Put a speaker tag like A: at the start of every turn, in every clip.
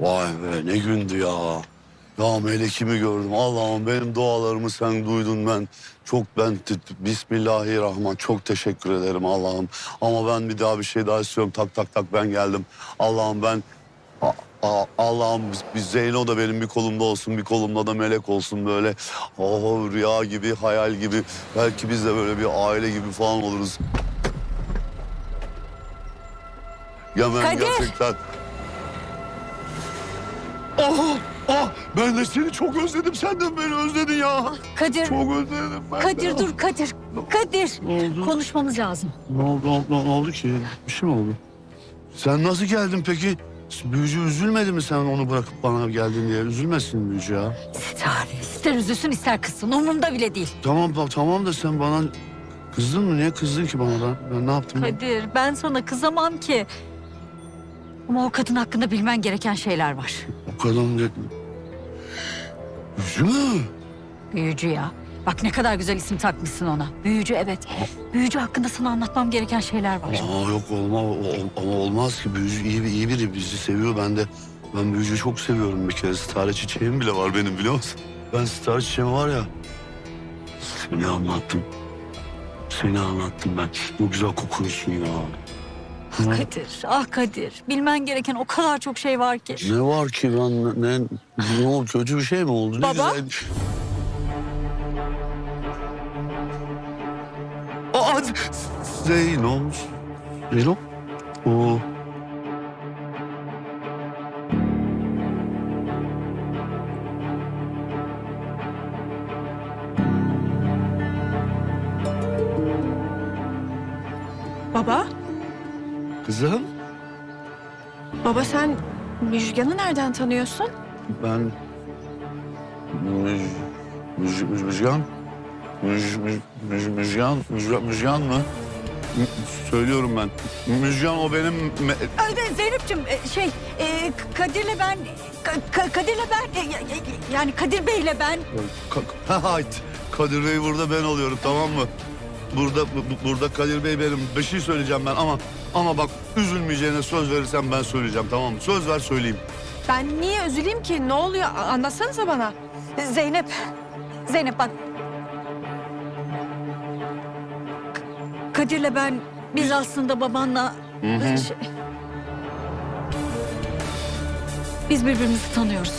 A: Vay be ne gündü ya. Ya melekimi gördüm. Allah'ım benim dualarımı sen duydun ben. Bismillahirrahmanirrahim. Çok teşekkür ederim Allah'ım. Ama ben bir daha bir şey daha istiyorum. Tak tak tak ben geldim. Allah'ım ben... Allah'ım bir Zeyno da benim bir kolumda olsun, bir kolumda da melek olsun böyle. Oh, rüya gibi, hayal gibi. Belki biz de böyle bir aile gibi falan oluruz. Ya ben
B: Kadir!
A: gerçekten... Ben de seni çok özledim. Sen de beni özledin ya.
B: Kadir,
A: Çok özledim ben
B: Kadir
A: de.
B: dur Kadir. Kadir.
A: Ne oldu?
B: Konuşmamız lazım.
A: Ne oldu ki? Bir şey mi oldu? Sen nasıl geldin peki? Büyücü üzülmedi mi sen onu bırakıp bana geldin diye? Üzülmesin büyücü ya.
B: İster üzülsün ister kızsın. Umurumda bile değil.
A: Tamam da sen bana kızdın mı? Niye kızdın ki bana da? Ben ne yaptım?
B: Kadir ben sana kızamam ki. Ama o kadın hakkında bilmen gereken şeyler var.
A: O kadın dedi. Büyücü mü?
B: Büyücü ya. Bak ne kadar güzel isim takmışsın ona. Büyücü evet. Büyücü hakkında sana anlatmam gereken şeyler var.
A: Yok ama olmaz ki. Büyücü iyi biri. Bizi seviyor. Ben büyücüyü çok seviyorum bir kere. Sitare çiçeğim bile var benim biliyor musun? Ben sitare çiçeğim var ya. Seni anlattım ben. Bu güzel kokuyorsun ya.
B: Kadir, ah Kadir. Bilmen gereken o kadar çok şey var ki.
A: Ne var ki ne oldu? Kötü bir şey mi oldu? Ne
B: Baba?
A: güzel. Aa, Zeyno. O.
C: Baba,
A: Kızım
C: baba sen Müjgan'ı nereden tanıyorsun?
A: ben... Müjgan? Müjgan mı? Söylüyorum ben. Müjgan o benim...
B: Zeynep'ciğim Kadir'le ben... Kadir'le ben... Yani Kadir Bey'le ben...
A: Hayt. Kadir Bey burada ben oluyorum tamam mı? Burada Kadir Bey benim. Bir şey söyleyeceğim ben ama bak üzülmeyeceğine söz verirsen ben söyleyeceğim tamam mı? Söz ver söyleyeyim.
C: Ben niye üzüleyim ki? Ne oluyor? Anlatsanıza bana.
B: Zeynep bak. Kadir'le ben... Biz aslında babanla... Biz birbirimizi tanıyoruz.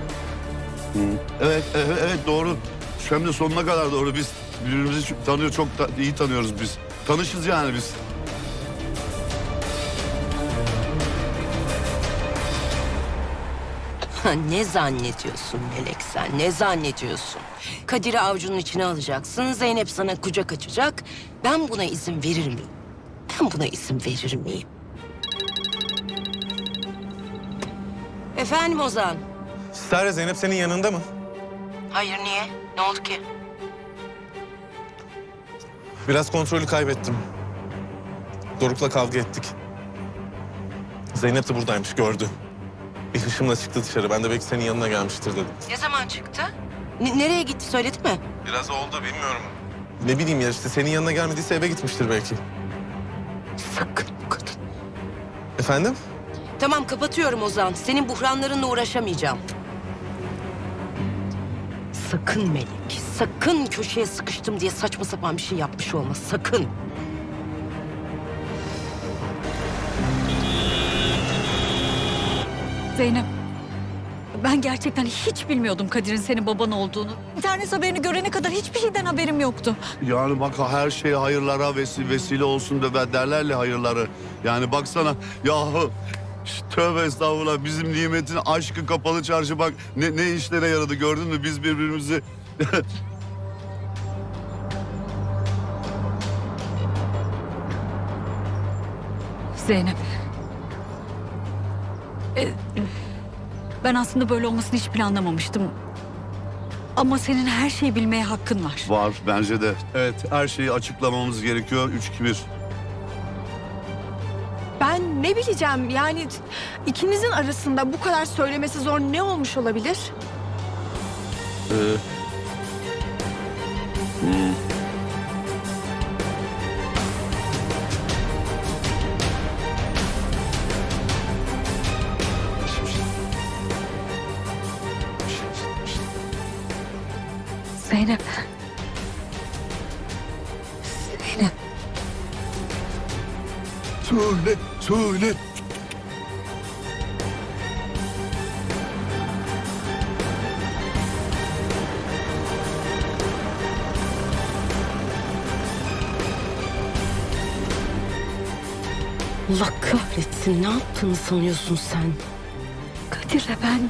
A: Evet doğru. Hem de sonuna kadar doğru. Biz birbirimizi çok iyi tanıyoruz biz. Tanışız yani biz.
D: Ne zannediyorsun Melek sen? Ne zannediyorsun? Kadir'i avucunun içine alacaksın. Zeynep sana kucak açacak. Ben buna izin verir miyim? Ben buna izin verir miyim? Efendim Ozan?
E: Sare, Zeynep senin yanında mı?
D: Hayır niye? Ne oldu ki?
E: Biraz kontrolü kaybettim. Doruk'la kavga ettik. Zeynep de buradaymış, gördü. Bir hışımla çıktı dışarı. Ben de belki senin yanına gelmiştir dedim.
D: Ne zaman çıktı? Nereye gitti söyledi mi?
E: Biraz oldu, bilmiyorum. Ne bileyim ya işte senin yanına gelmediyse eve gitmiştir belki.
D: Sakın bu kadın.
E: Efendim?
D: Tamam kapatıyorum Ozan. Senin buhranlarınla uğraşamayacağım. Sakın Melek, sakın köşeye sıkıştım diye saçma sapan bir şey yapmış olma, sakın.
B: Zeynep. Ben gerçekten hiç bilmiyordum Kadir'in senin baban olduğunu. İnternet haberini görene kadar hiçbir şeyden haberim yoktu.
A: Yani bak her şey hayırlara vesile olsun da derlerle hayırları. Yani baksana yahu tövbe estağfurullah bizim nimetin aşkı kapalı çarşı bak ne işlere yaradı gördün mü biz birbirimizi...
B: Zeynep. Ben aslında böyle olmasını hiç planlamamıştım. Ama senin her şeyi bilmeye hakkın var.
A: Var bence de. Evet her şeyi açıklamamız gerekiyor 3-2-1.
C: Ben ne bileceğim yani ikinizin arasında bu kadar söylemesi zor ne olmuş olabilir?
B: Zeynep. Zeynep.
A: Söyle.
D: Allah kahretsin, ne yaptığını sanıyorsun sen?
B: Kadir'le ben...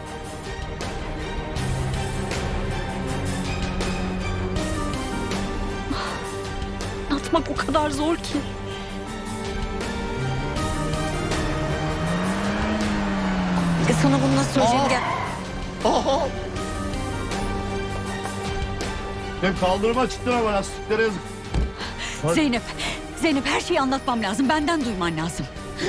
B: Anlatmak o kadar zor ki. Sana bunu nasıl söyleyeceğim? Gel.
A: Aha. Ben kaldırıma çıktın ama lastiklere yazık. Hadi.
B: Zeynep. Zeynep, her şeyi anlatmam lazım. Benden duyman lazım.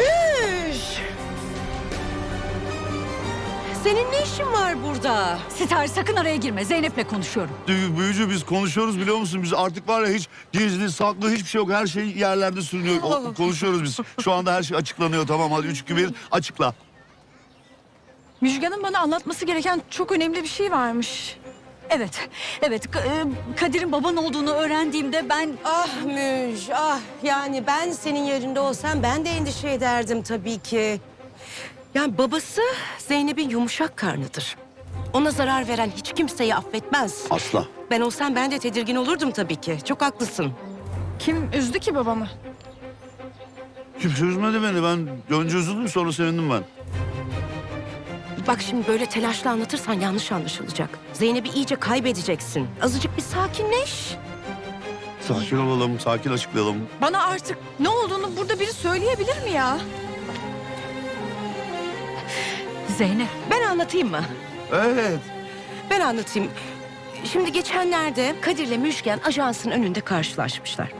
D: Senin ne işin var burada?
B: Sitare, sakın araya girme. Zeynep'le konuşuyorum.
A: Büyücü, biz konuşuyoruz biliyor musun? Biz artık var ya, hiç gizli saklı hiçbir şey yok. Her şey yerlerde sürünüyor. Konuşuyoruz biz. Şu anda her şey açıklanıyor, tamam, hadi 3, 2, 1 açıkla.
C: Müjgan'ın bana anlatması gereken çok önemli bir şey varmış.
B: Evet. Kadir'in baban olduğunu öğrendiğimde ben...
D: Ah Müj, ah. Yani ben senin yerinde olsam ben de endişe ederdim tabii ki. Yani babası Zeynep'in yumuşak karnıdır. Ona zarar veren hiç kimseyi affetmez.
A: Asla.
D: Ben olsam ben de tedirgin olurdum tabii ki. Çok haklısın.
C: Kim üzdü ki babamı?
A: Kimse üzmedi beni. Ben önce üzüldüm, sonra sevindim ben.
D: Bak şimdi böyle telaşla anlatırsan yanlış anlaşılacak. Zeynep'i iyice kaybedeceksin. Azıcık bir sakinleş.
A: Sakin olalım, sakin açıklayalım.
C: Bana artık ne olduğunu burada biri söyleyebilir mi ya?
B: Zeynep.
D: Ben anlatayım mı?
A: Evet.
D: Ben anlatayım. Şimdi geçenlerde Kadir'le Müjgan ajansın önünde karşılaşmışlar.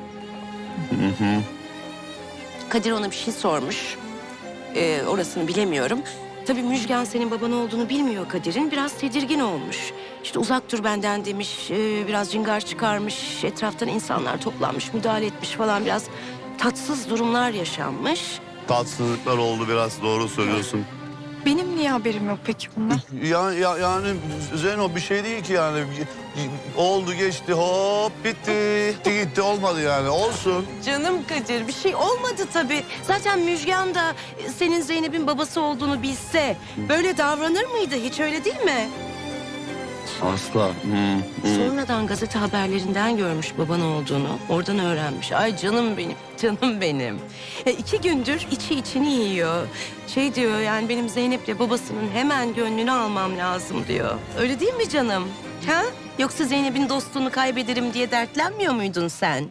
D: Kadir ona bir şey sormuş. Orasını bilemiyorum. Tabii Müjgan senin baban olduğunu bilmiyor Kadir'in. Biraz tedirgin olmuş. İşte uzak dur benden demiş. Biraz cingar çıkarmış. Etraftan insanlar toplanmış, müdahale etmiş falan. Biraz tatsız durumlar yaşanmış.
A: Tatsızlıklar oldu biraz, doğru söylüyorsun.
C: Benim niye haberim yok peki bundan?
A: Yani Zeyno, bir şey değil ki yani. Oldu geçti, hop bitti. Gitti, olmadı yani, olsun.
D: Canım Kadir, bir şey olmadı tabii. Zaten Müjgan da senin Zeynep'in babası olduğunu bilse böyle davranır mıydı? Hiç öyle değil mi?
A: Asla.
D: Sonradan gazete haberlerinden görmüş baban olduğunu. Oradan öğrenmiş. Ay canım benim, canım benim. 2 gündür içi içini yiyor. Şey diyor yani, benim Zeynep'le babasının hemen gönlünü almam lazım diyor. Öyle değil mi canım? Ha? Yoksa Zeynep'in dostluğunu kaybederim diye dertlenmiyor muydun sen?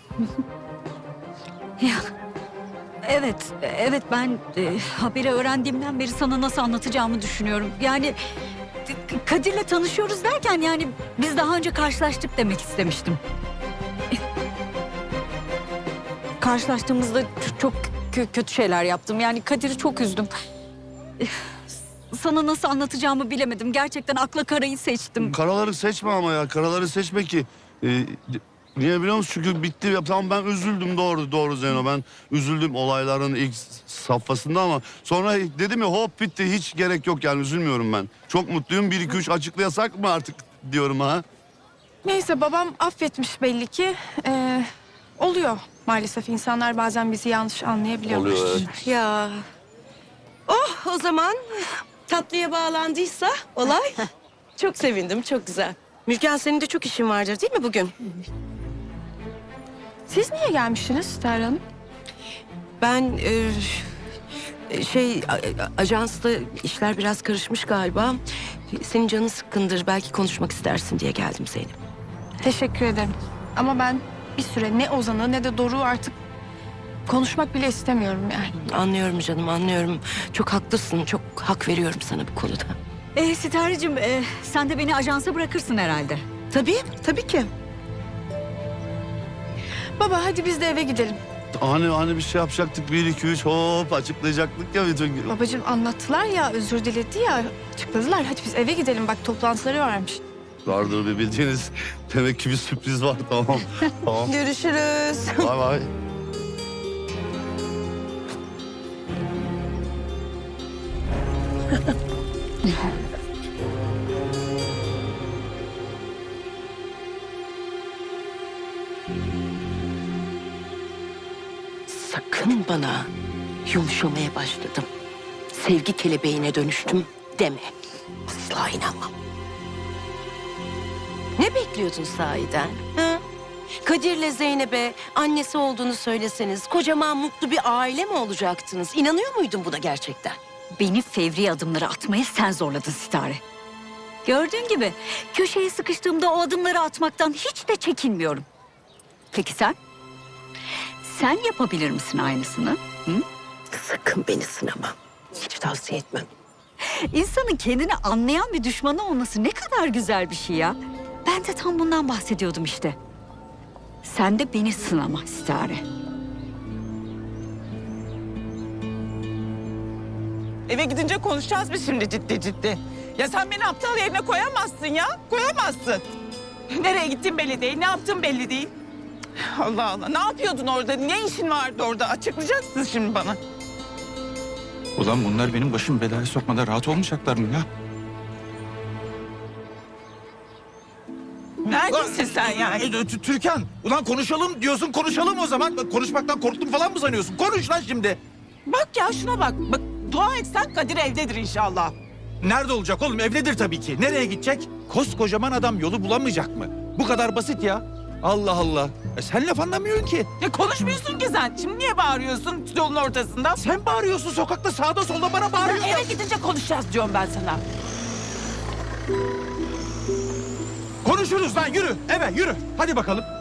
B: Ya, evet ben haberi öğrendiğimden beri sana nasıl anlatacağımı düşünüyorum. Yani Kadir'le tanışıyoruz derken yani biz daha önce karşılaştık demek istemiştim. Karşılaştığımızda çok kötü şeyler yaptım. Yani Kadir'i çok üzdüm. Sana nasıl anlatacağımı bilemedim. Gerçekten akla karayı seçtim.
A: Karaları seçme ama ya, karaları seçme ki. Niye biliyor musun? Çünkü bitti. Ya, tamam, ben üzüldüm, doğru Zeyno. Ben üzüldüm olayların ilk safhasında ama sonra dedim ya, hop bitti. Hiç gerek yok yani, üzülmüyorum ben. Çok mutluyum. 1, 2, 3 açıklayasak mı artık diyorum ha?
C: Neyse, babam affetmiş belli ki. Oluyor maalesef, insanlar bazen bizi yanlış anlayabiliyorlar.
A: Oluyor, evet.
D: Ya. Oh, o zaman tatlıya bağlandıysa olay. Çok sevindim, çok güzel. Müjgan, senin de çok işin vardır değil mi bugün?
C: Siz niye gelmiştiniz Sitare Hanım?
D: Ben ajansla işler biraz karışmış galiba. Senin canın sıkkındır, belki konuşmak istersin diye geldim Zeynep.
C: Teşekkür ederim. Ama ben bir süre ne Ozan'ı ne de Doruk'u artık konuşmak bile istemiyorum yani.
D: Anlıyorum canım, anlıyorum. Çok haklısın, çok hak veriyorum sana bu konuda.
B: Sitare'cim sen de beni ajansa bırakırsın herhalde.
D: Tabii ki.
C: Baba hadi biz de eve gidelim.
A: Hani bir şey yapacaktık, 1, 2, 3 hop açıklayacaktık ya bütün.
C: Babacığım anlattılar ya, özür diledi ya, açıkladılar. Hadi biz eve gidelim, bak toplantıları varmış.
A: Vardır bir bildiğiniz. Demek ki bir sürpriz var, tamam. Tamam.
D: Görüşürüz.
A: Bay bay.
D: sakın bana yumuşamaya başladım, sevgi kelebeğine dönüştüm deme. Asla inanmam. Ne bekliyordun sahiden? Ha? Kadir'le Zeynep'e annesi olduğunu söyleseniz kocaman mutlu bir aile mi olacaktınız? İnanıyor muydun buna gerçekten?
B: Beni fevri adımları atmaya sen zorladın Sitare. Gördüğün gibi köşeye sıkıştığımda o adımları atmaktan hiç de çekinmiyorum. Peki sen? Sen yapabilir misin aynısını? Hı?
D: Sakın beni sınama. Hiç tavsiye etmem.
B: İnsanın kendini anlayan bir düşmanı olması ne kadar güzel bir şey ya. Ben de tam bundan bahsediyordum işte. Sen de beni sınama Sitare.
F: Eve gidince konuşacağız biz şimdi ciddi ciddi. Ya sen beni aptal yerine koyamazsın ya. Koyamazsın. Nereye gittin belli değil, ne yaptın belli değil. Allah Allah, ne yapıyordun orada? Ne işin vardı orada? Açıklayacaksın şimdi bana.
G: Ulan bunlar benim başım belaya sokmada rahat olmayacaklar mı ya?
F: Neredesin sen yani?
G: Türkan, ulan konuşalım diyorsun, konuşalım o zaman. Bak, konuşmaktan korktum falan mı sanıyorsun? Konuş lan şimdi.
F: Bak ya şuna bak. Bak dua etsen Kadir evdedir inşallah.
G: Nerede olacak oğlum? Evdedir tabii ki. Nereye gidecek? Koskocaman adam yolu bulamayacak mı? Bu kadar basit ya. Allah Allah. Sen laf anlamıyorsun ki.
F: Ya konuşmuyorsun ki sen. Şimdi niye bağırıyorsun yolun ortasında?
G: Sen bağırıyorsun sokakta, sağda solda bana bağırıyorsun.
F: Eve gidince konuşacağız diyorum ben sana.
G: Konuşuruz lan, yürü. Eve yürü. Hadi bakalım.